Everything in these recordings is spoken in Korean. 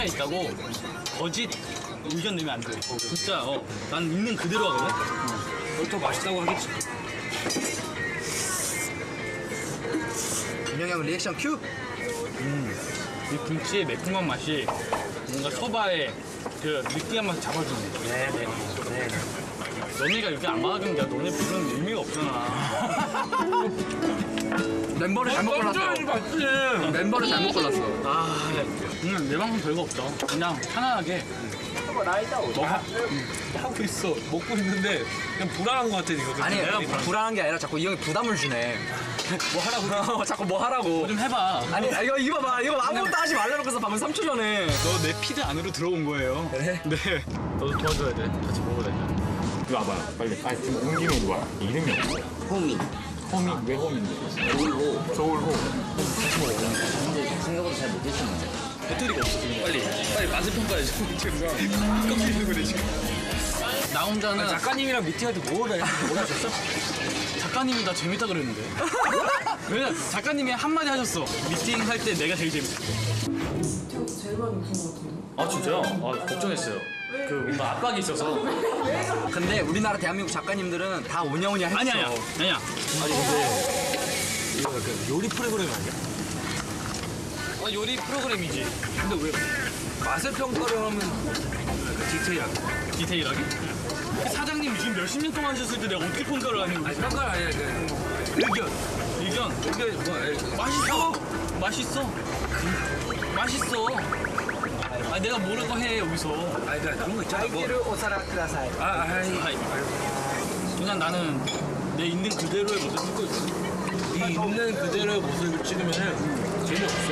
있다고 거짓 의견 내면 안 돼. 진짜 난 있는 그대로 하거든. 그걸 더 맛있다고 하겠지. 민영이 형 리액션 큐. 이 김치의 매콤한 맛이 뭔가 소바의 그 느끼한 맛을 잡아주는 거야. 네네. 너네가 이렇게 안 받아주면 내가 너네 부르는 의미가 없잖아. 멤버를 잘못 골랐어. 맞지. 멤버를 잘못 골랐어. 아, 그냥 내 방송 별거 없다. 그냥 편안하게. 하고 있어. 먹고 있는데 그냥 불안한 것 같아 이거. 아니 내가 불안한 게 아니라 자꾸 이 형이 부담을 주네. 뭐 하라고. 자꾸 뭐 하라고. 좀 해봐. 아니 이거 봐봐. 이거 아무것도 하지 말라놓고서 방금 3초 전에. 너 내 피드 안으로 들어온 거예요. 그래? 네. 너도 도와줘야 돼. 같이 먹어야 돼. 이리 와봐요 빨리. 아니 지금 온 김에 이리 와. 이름이 없어. 호미. 홈이 왜 홈인데? 조울호. 서울호. 근데 생각보다 잘 못했었는데. 배터리가 없어 지금. 빨리 맛을 평가해. 지금 깜짝이야 그래 지금. 나 혼자는 작가님이랑 미팅할 때 뭘 해? 몰랐었어? 작가님이 나 재밌다 그랬는데. 왜냐 작가님이 한마디 하셨어. 미팅 할 때 내가 제일 재밌어. 제일 많이 웃은 것 같은데? 아 진짜요? 아 걱정했어요. 그 뭔가 압박이 있어서. 근데 우리나라 대한민국 작가님들은 다 오냐오냐 했어. 아니야. 아니 근데 이거 약간 요리 프로그램 아니야? 요리 프로그램이지. 근데 왜 맛을 평가를 하면 디테일하게? 디테일하게? 사장님 지금 몇십 년 동안 하셨을 때 내가 어떻게 평가를 하는 거야? 아니 평가가 아니라 그 의견. 의견 뭐 맛있어. 맛있어. 아 내가 뭐라고 해 여기서. 아니 그러니까 그런 거 있잖아. 뭐. 오사라 쿠다사이. 아이. 그냥 나는 내 있는 그대로의 모습을 찍고 있어. 이 있는 그대로의 모습을 찍으면은 재미없어.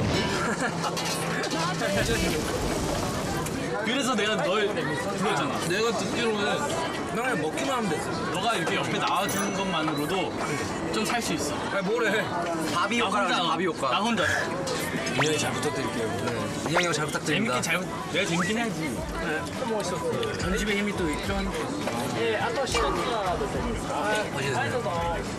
그래서 내가 널 불렀잖아. 내가 듣기로는 나 그냥 먹기만 하면 됐어. 너가 이렇게 옆에 나와주는 것만으로도 좀 살 수 있어. 아니 뭐래? 바비 효과라지 바비 나 효과. 혼자 민영이 잘 부탁드릴게요. 민영이 형 잘 부탁드립니다. 내가 재밌긴 해야지. 편집의 힘이 또 필요하니까. 예, 아까 시간 누가 더